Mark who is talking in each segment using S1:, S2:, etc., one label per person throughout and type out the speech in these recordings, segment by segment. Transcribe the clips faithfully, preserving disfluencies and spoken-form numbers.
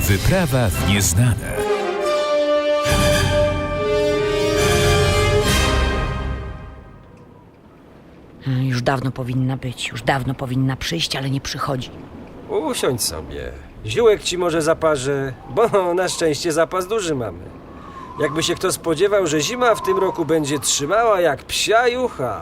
S1: Wyprawa w nieznane.
S2: Już dawno powinna być, już dawno powinna przyjść, ale nie przychodzi.
S3: Usiądź sobie. Ziółek ci może zaparzę, bo na szczęście zapas duży mamy. Jakby się kto spodziewał, że zima w tym roku będzie trzymała jak psia jucha.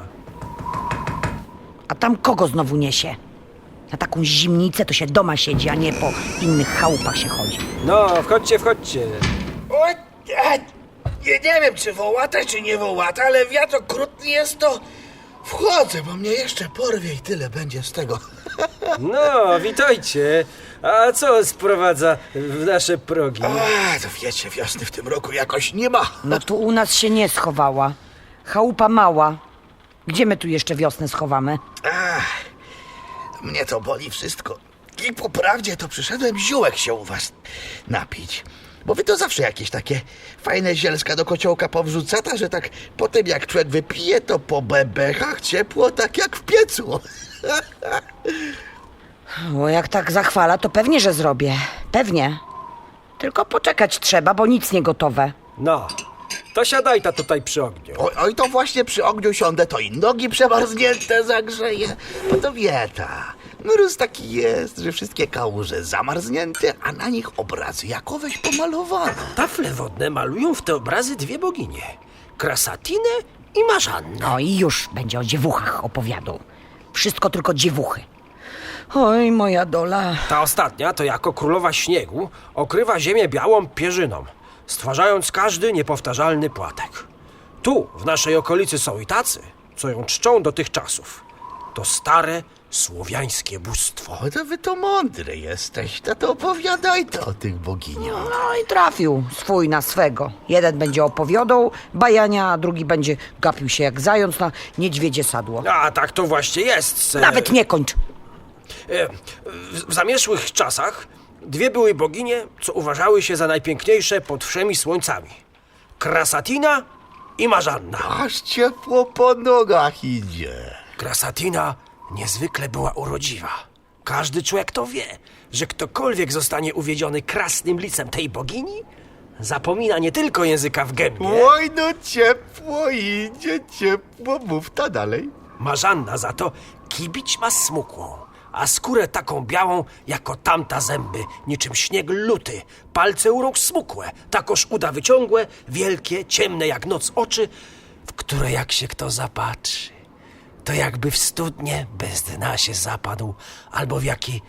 S2: A tam kogo znowu niesie? Na taką zimnicę to się doma siedzi, a nie po innych chałupach się chodzi.
S3: No, wchodźcie, wchodźcie.
S4: O, a, nie, nie wiem, czy wołata, czy nie wołata, ale wiatr okrutny jest, to wchodzę, bo mnie jeszcze porwie i tyle będzie z tego.
S3: No, witajcie. A co sprowadza w nasze progi?
S4: A, to wiecie, wiosny w tym roku jakoś nie ma.
S2: No tu u nas się nie schowała. Chałupa mała. Gdzie my tu jeszcze wiosnę schowamy?
S4: Ach, mnie to boli wszystko. I po prawdzie to przyszedłem ziółek się u was napić. Bo wy to zawsze jakieś takie fajne zielska do kociołka powrzucata, że tak potem jak człowiek wypije, to po bebechach ciepło tak jak w piecu.
S2: O, jak tak zachwala, to pewnie, że zrobię. Pewnie. Tylko poczekać trzeba, bo nic nie gotowe.
S3: No, to siadaj ta tutaj przy ogniu.
S4: Oj, oj, to właśnie przy ogniu siądę, to i nogi przemarznięte zagrzeję. Bo to wieta. Mróz taki jest, że wszystkie kałuże zamarznięte, a na nich obrazy jakoweś pomalowane.
S3: Tafle wodne malują w te obrazy dwie boginie. Krasatinę i Marzannę.
S2: No i już będzie o dziewuchach opowiadał. Wszystko tylko dziewuchy. Oj, moja dola.
S3: Ta ostatnia to jako królowa śniegu okrywa ziemię białą pierzyną, stwarzając każdy niepowtarzalny płatek. Tu, w naszej okolicy są i tacy, co ją czczą do tych czasów. To stare, słowiańskie bóstwo.
S4: O, to wy to mądry jesteś, to, to opowiadaj to o tych boginiach.
S2: No i trafił swój na swego. Jeden będzie opowiadał bajania, a drugi będzie gapił się jak zając na niedźwiedzie sadło.
S3: A tak to właśnie jest. se-
S2: Nawet nie kończ.
S3: E, W, w zamieszłych czasach dwie były boginie, co uważały się za najpiękniejsze pod wszemi słońcami. Krasatina i Marzanna.
S4: Aż ciepło po nogach idzie.
S3: Krasatina niezwykle była urodziwa. Każdy człowiek to wie, że ktokolwiek zostanie uwiedziony krasnym licem tej bogini, zapomina nie tylko języka w gębie.
S4: Oj, no ciepło idzie, ciepło, mów ta dalej.
S3: Marzanna za to kibić ma smukłą, a skórę taką białą, jako tamta zęby, niczym śnieg luty, palce u rąk smukłe, takoż uda wyciągłe, wielkie, ciemne jak noc oczy, w które jak się kto zapatrzy, to jakby w studnie bez dna się zapadł, albo w jaki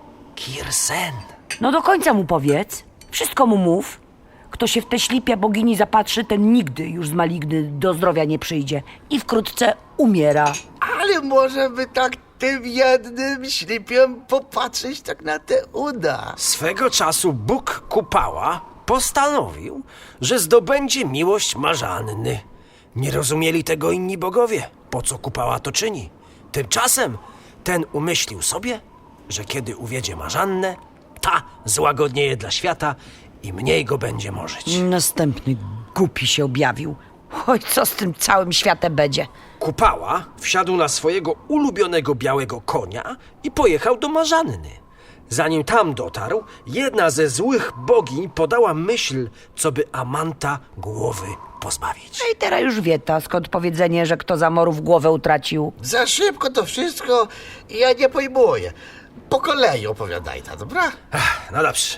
S3: kirsen.
S2: No do końca mu powiedz. Wszystko mu mów. Kto się w te ślipia bogini zapatrzy, ten nigdy już z maligny do zdrowia nie przyjdzie. I wkrótce umiera.
S4: Ale może by tak tym jednym ślipiem popatrzeć tak na te uda.
S3: Swego czasu Bóg Kupała postanowił, że zdobędzie miłość Marzanny. Nie rozumieli tego inni bogowie, po co Kupała to czyni. Tymczasem ten umyślił sobie, że kiedy uwiedzie Marzannę, ta złagodnieje dla świata i mniej go będzie morzyć.
S2: Następny głupi się objawił. Oj, co z tym całym światem będzie?
S3: Kupała wsiadł na swojego ulubionego białego konia i pojechał do Marzanny. Zanim tam dotarł, jedna ze złych bogiń podała myśl, co by Amanta głowy pozbawić.
S2: No i teraz już wie ta, skąd powiedzenie, że kto za morów głowę utracił.
S4: Za szybko to wszystko i ja nie pojmuję. Po kolei opowiadaj ta, dobra?
S3: Ach, no dobrze.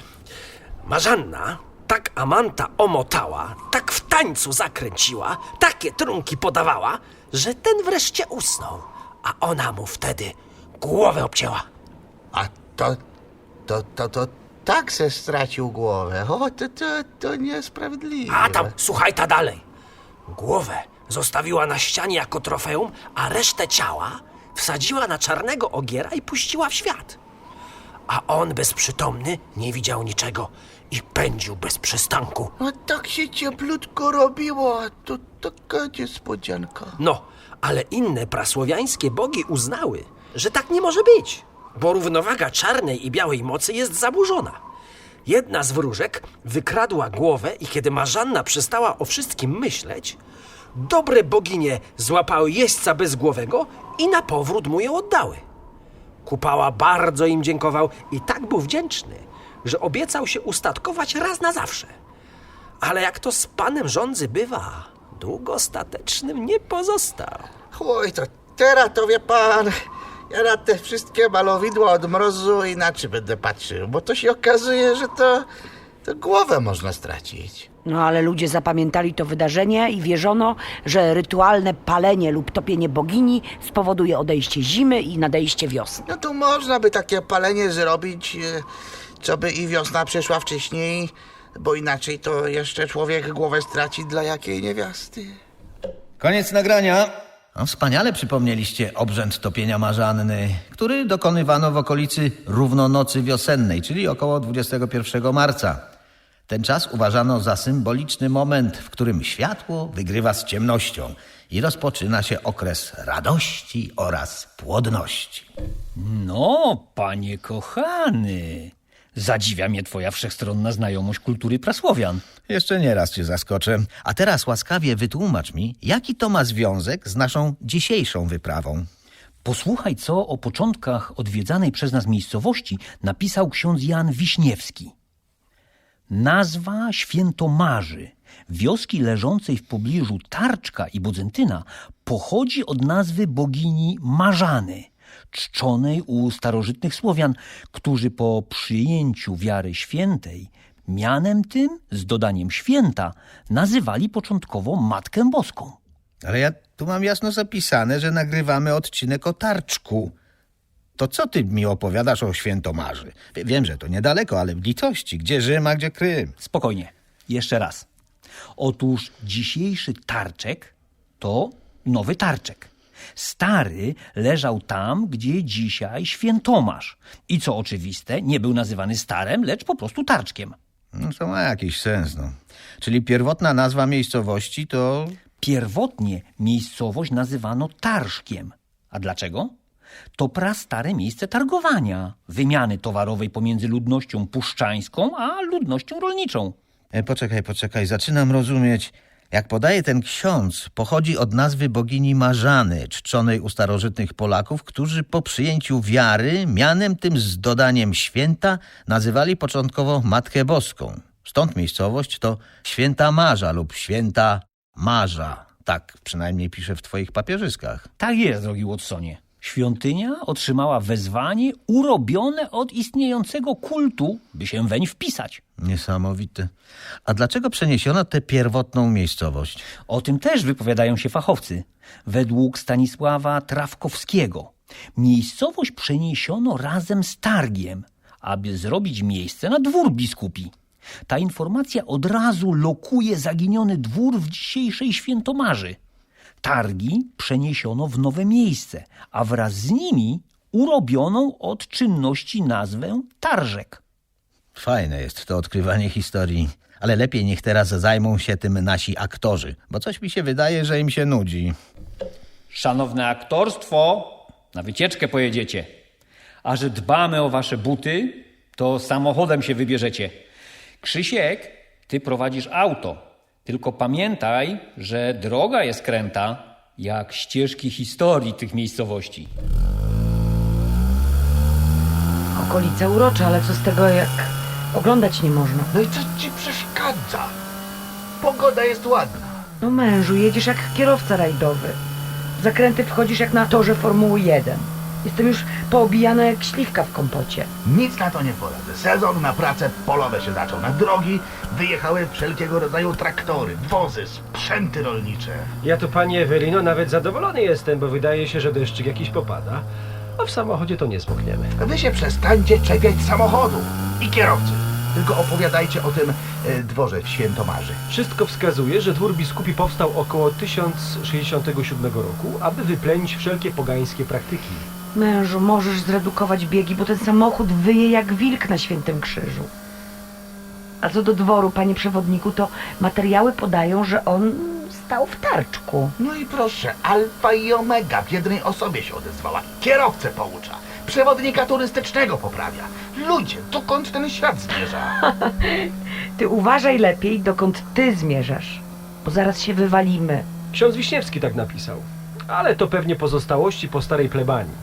S3: Marzanna tak Amanta omotała, tak w tańcu zakręciła, takie trunki podawała, że ten wreszcie usnął, a ona mu wtedy głowę obcięła.
S4: A to, to, to, to tak se stracił głowę. O, to, to, to niesprawiedliwe.
S3: A tam, słuchaj ta dalej. Głowę zostawiła na ścianie jako trofeum, a resztę ciała wsadziła na czarnego ogiera i puściła w świat. A on bezprzytomny nie widział niczego i pędził bez przystanku.
S4: A tak się cieplutko robiło, a to taka niespodzianka.
S3: No, ale inne prasłowiańskie bogi uznały, że tak nie może być, bo równowaga czarnej i białej mocy jest zaburzona. Jedna z wróżek wykradła głowę i kiedy Marzanna przestała o wszystkim myśleć, dobre boginie złapały jeźdźca bezgłowego i na powrót mu ją oddały. Kupała bardzo im dziękował i tak był wdzięczny, że obiecał się ustatkować raz na zawsze. Ale jak to z panem rządzy bywa, długo statecznym nie pozostał.
S4: Oj, to teraz to wie pan, ja na te wszystkie malowidła od mrozu inaczej będę patrzył, bo to się okazuje, że to, to głowę można stracić.
S2: No ale ludzie zapamiętali to wydarzenie i wierzono, że rytualne palenie lub topienie bogini spowoduje odejście zimy i nadejście wiosny.
S4: No to można by takie palenie zrobić, e, co by i wiosna przyszła wcześniej, bo inaczej to jeszcze człowiek głowę straci dla jakiej niewiasty.
S5: Koniec nagrania. No, wspaniale przypomnieliście obrzęd topienia marzanny, który dokonywano w okolicy równonocy wiosennej, czyli około dwudziestego pierwszego marca. Ten czas uważano za symboliczny moment, w którym światło wygrywa z ciemnością i rozpoczyna się okres radości oraz płodności.
S1: No, panie kochany, zadziwia mnie twoja wszechstronna znajomość kultury prasłowian.
S5: Jeszcze nie raz cię zaskoczę. A teraz łaskawie wytłumacz mi, jaki to ma związek z naszą dzisiejszą wyprawą.
S1: Posłuchaj, co o początkach odwiedzanej przez nas miejscowości napisał ksiądz Jan Wiśniewski. Nazwa Świętomarzy, wioski leżącej w pobliżu Tarczka i Bodzentyna, pochodzi od nazwy bogini Marzany, czczonej u starożytnych Słowian, którzy po przyjęciu wiary świętej mianem tym, z dodaniem święta, nazywali początkowo Matkę Boską.
S5: Ale ja tu mam jasno zapisane, że nagrywamy odcinek o Tarczku. To co ty mi opowiadasz o Świętomarzy? Wiem, że to niedaleko, ale w litości. Gdzie Rzym, a gdzie Krym?
S1: Spokojnie, jeszcze raz. Otóż dzisiejszy Tarczek to nowy Tarczek. Stary leżał tam, gdzie dzisiaj Świętomarz. I co oczywiste, nie był nazywany Starem, lecz po prostu Tarczkiem.
S5: No to ma jakiś sens, no. Czyli pierwotna nazwa miejscowości to...
S1: Pierwotnie miejscowość nazywano Tarszkiem. A dlaczego? To prastare miejsce targowania, wymiany towarowej pomiędzy ludnością puszczańską a ludnością rolniczą.
S5: E, poczekaj, poczekaj, zaczynam rozumieć. Jak podaje ten ksiądz, pochodzi od nazwy bogini Marzany, czczonej u starożytnych Polaków, którzy po przyjęciu wiary, mianem tym z dodaniem święta, nazywali początkowo Matkę Boską. Stąd miejscowość to Święta Marza lub Święta Marza. Tak przynajmniej pisze w twoich papierzyskach.
S1: Tak jest, drogi Watsonie. Świątynia otrzymała wezwanie urobione od istniejącego kultu, by się weń wpisać.
S5: Niesamowite. A dlaczego przeniesiono tę pierwotną miejscowość?
S1: O tym też wypowiadają się fachowcy. Według Stanisława Trawkowskiego miejscowość przeniesiono razem z targiem, aby zrobić miejsce na dwór biskupi. Ta informacja od razu lokuje zaginiony dwór w dzisiejszej Świętomarzy. Targi przeniesiono w nowe miejsce, a wraz z nimi urobioną od czynności nazwę Tarżek.
S5: Fajne jest to odkrywanie historii, ale lepiej niech teraz zajmą się tym nasi aktorzy, bo coś mi się wydaje, że im się nudzi.
S1: Szanowne aktorstwo, na wycieczkę pojedziecie. A że dbamy o wasze buty, to samochodem się wybierzecie. Krzysiek, ty prowadzisz auto. Tylko pamiętaj, że droga jest kręta, jak ścieżki historii tych miejscowości.
S2: Okolice urocze, ale co z tego, jak oglądać nie można?
S4: No i co ci przeszkadza? Pogoda jest ładna.
S2: No mężu, jedziesz jak kierowca rajdowy. W zakręty wchodzisz jak na torze Formuły jeden. Jestem już poobijana jak śliwka w kompocie.
S4: Nic na to nie poradzę. Sezon na prace polowe się zaczął. Na drogi wyjechały wszelkiego rodzaju traktory, wozy, sprzęty rolnicze.
S6: Ja tu, pani Ewelino, nawet zadowolony jestem, bo wydaje się, że deszczyk jakiś popada, a w samochodzie to nie zmokniemy.
S4: Wy się przestańcie czepiać samochodu i kierowcy. Tylko opowiadajcie o tym e, dworze w Świętomarzy.
S6: Wszystko wskazuje, że dwór biskupi powstał około tysiąc sześćdziesiątego siódmego roku, aby wyplenić wszelkie pogańskie praktyki.
S2: Mężu, możesz zredukować biegi, bo ten samochód wyje jak wilk na Świętym Krzyżu. A co do dworu, panie przewodniku, to materiały podają, że on stał w Tarczku.
S4: No i proszę, alfa i omega w jednej osobie się odezwała. Kierowcę poucza, przewodnika turystycznego poprawia. Ludzie, dokąd ten świat zmierza?
S2: Ty uważaj lepiej, dokąd ty zmierzasz, bo zaraz się wywalimy.
S6: Ksiądz Wiśniewski tak napisał, ale to pewnie pozostałości po starej plebanii.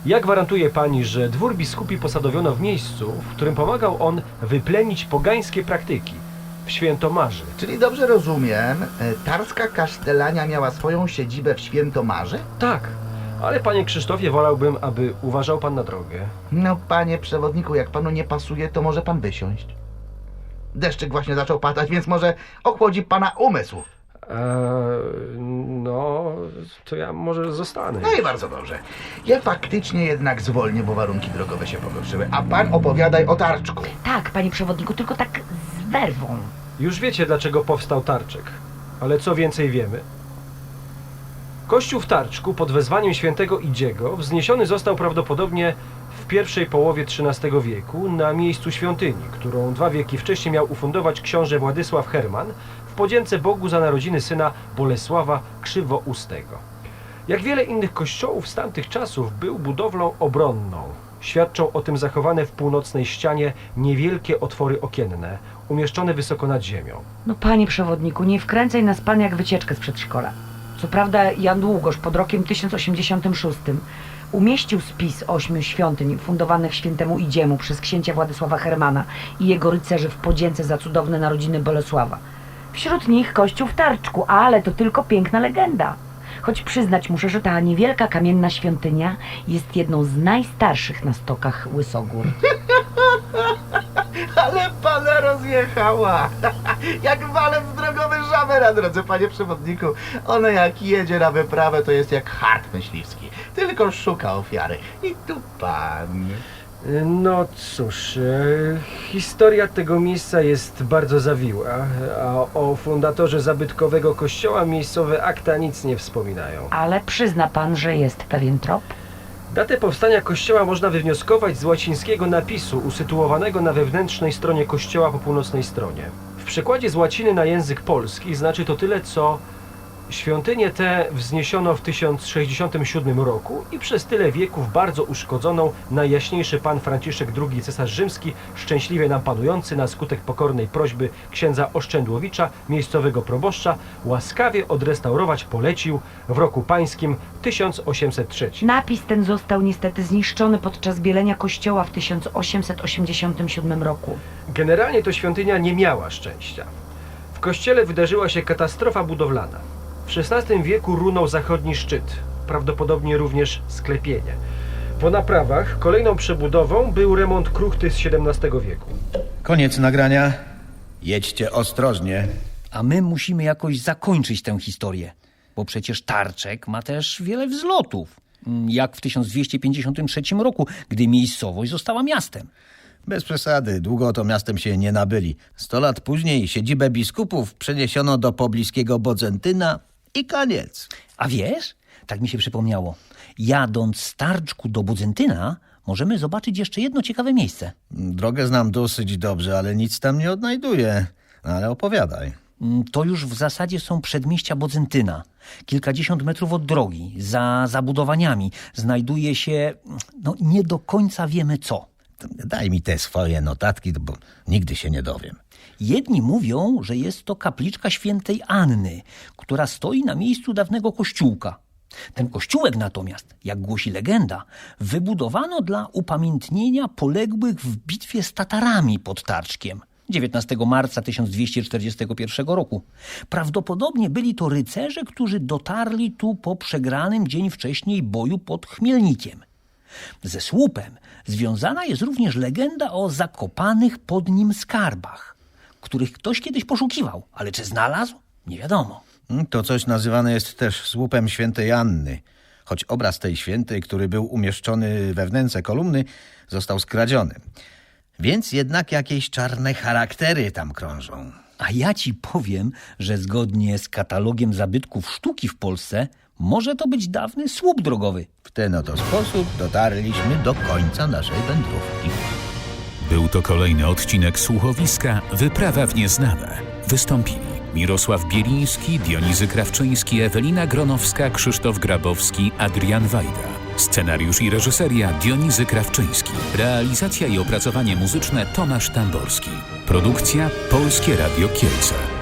S6: Jak gwarantuje pani, że dwór biskupi posadowiono w miejscu, w którym pomagał on wyplenić pogańskie praktyki, w Świętomarzy?
S4: Czyli dobrze rozumiem, e, Tarska Kasztelania miała swoją siedzibę w Świętomarze?
S6: Tak, ale panie Krzysztofie, wolałbym, aby uważał pan na drogę.
S4: No, panie przewodniku, jak panu nie pasuje, to może pan wysiąść. Deszczyk właśnie zaczął padać, więc może ochłodzi pana umysł.
S6: Eee, no, to ja może zostanę.
S4: No i bardzo dobrze. Ja faktycznie jednak zwolnię, bo warunki drogowe się pogorszyły. A pan opowiadaj o Tarczku.
S2: Tak, panie przewodniku, tylko tak z werwą.
S6: Już wiecie, dlaczego powstał Tarczek, ale co więcej wiemy? Kościół w Tarczku pod wezwaniem świętego Idziego wzniesiony został prawdopodobnie w pierwszej połowie trzynastego wieku na miejscu świątyni, którą dwa wieki wcześniej miał ufundować książę Władysław Herman w podzięce Bogu za narodziny syna Bolesława Krzywoustego. Jak wiele innych kościołów z tamtych czasów był budowlą obronną. Świadczą o tym zachowane w północnej ścianie niewielkie otwory okienne, umieszczone wysoko nad ziemią.
S2: No panie przewodniku, nie wkręcaj nas pan jak wycieczkę z przedszkola. Co prawda Jan Długosz pod rokiem tysiąc osiemdziesiątym szóstym umieścił spis ośmiu świątyń fundowanych świętemu Idziemu przez księcia Władysława Hermana i jego rycerzy w podzięce za cudowne narodziny Bolesława. Wśród nich kościół w Tarczku, ale to tylko piękna legenda. Choć przyznać muszę, że ta niewielka kamienna świątynia jest jedną z najstarszych na stokach Łysogór.
S4: Ale pana rozjechała. Jak walec drogowy żabę na drodze, panie przewodniku. Ona jak jedzie na wyprawę, to jest jak hart myśliwski. Tylko szuka ofiary. I tu pan.
S6: No cóż, e, historia tego miejsca jest bardzo zawiła, a o fundatorze zabytkowego kościoła miejscowe akta nic nie wspominają.
S2: Ale przyzna pan, że jest pewien trop?
S6: Datę powstania kościoła można wywnioskować z łacińskiego napisu usytuowanego na wewnętrznej stronie kościoła po północnej stronie. W przekładzie z łaciny na język polski znaczy to tyle, co świątynię tę wzniesiono w tysiąc sześćdziesiątym siódmym roku i przez tyle wieków bardzo uszkodzoną Najjaśniejszy Pan Franciszek drugi cesarz rzymski, szczęśliwie nam panujący na skutek pokornej prośby księdza Oszczędłowicza, miejscowego proboszcza, łaskawie odrestaurować polecił w roku pańskim tysiąc osiemset trzecim.
S2: Napis ten został niestety zniszczony podczas bielenia kościoła w tysiąc osiemset osiemdziesiątym siódmym roku.
S6: Generalnie to świątynia nie miała szczęścia. W kościele wydarzyła się katastrofa budowlana. W szesnastym wieku runął zachodni szczyt, prawdopodobnie również sklepienie. Po naprawach kolejną przebudową był remont kruchty z siedemnastego wieku.
S5: Koniec nagrania. Jedźcie ostrożnie.
S1: A my musimy jakoś zakończyć tę historię, bo przecież Tarczek ma też wiele wzlotów, jak w tysiąc dwieście pięćdziesiątym trzecim roku, gdy miejscowość została miastem.
S5: Bez przesady, długo to miastem się nie nabyli. Sto lat później siedzibę biskupów przeniesiono do pobliskiego Bodzentyna i koniec.
S1: A wiesz, tak mi się przypomniało, jadąc z Tarczku do Bodzentyna możemy zobaczyć jeszcze jedno ciekawe miejsce.
S5: Drogę znam dosyć dobrze, ale nic tam nie odnajduję. Ale opowiadaj.
S1: To już w zasadzie są przedmieścia Bodzentyna. Kilkadziesiąt metrów od drogi, za zabudowaniami, znajduje się, no nie do końca wiemy co.
S5: Daj mi te swoje notatki, bo nigdy się nie dowiem.
S1: Jedni mówią, że jest to kapliczka świętej Anny, która stoi na miejscu dawnego kościółka. Ten kościółek natomiast, jak głosi legenda, wybudowano dla upamiętnienia poległych w bitwie z Tatarami pod Tarczkiem dziewiętnastego marca tysiąc dwieście czterdziestego pierwszego roku. Prawdopodobnie byli to rycerze, którzy dotarli tu po przegranym dzień wcześniej boju pod Chmielnikiem. Ze słupem związana jest również legenda o zakopanych pod nim skarbach, których ktoś kiedyś poszukiwał, ale czy znalazł? Nie wiadomo.
S5: To coś nazywane jest też słupem świętej Anny, choć obraz tej świętej, który był umieszczony we wnęce kolumny, został skradziony. Więc jednak jakieś czarne charaktery tam krążą.
S1: A ja ci powiem, że zgodnie z katalogiem zabytków sztuki w Polsce może to być dawny słup drogowy.
S5: W ten oto sposób dotarliśmy do końca naszej wędrówki.
S7: Był to kolejny odcinek słuchowiska Wyprawa w nieznane. Wystąpili Mirosław Bieliński, Dionizy Krawczyński, Ewelina Gronowska, Krzysztof Grabowski, Adrian Wajda. Scenariusz i reżyseria Dionizy Krawczyński. Realizacja i opracowanie muzyczne Tomasz Tamborski. Produkcja Polskie Radio Kielce.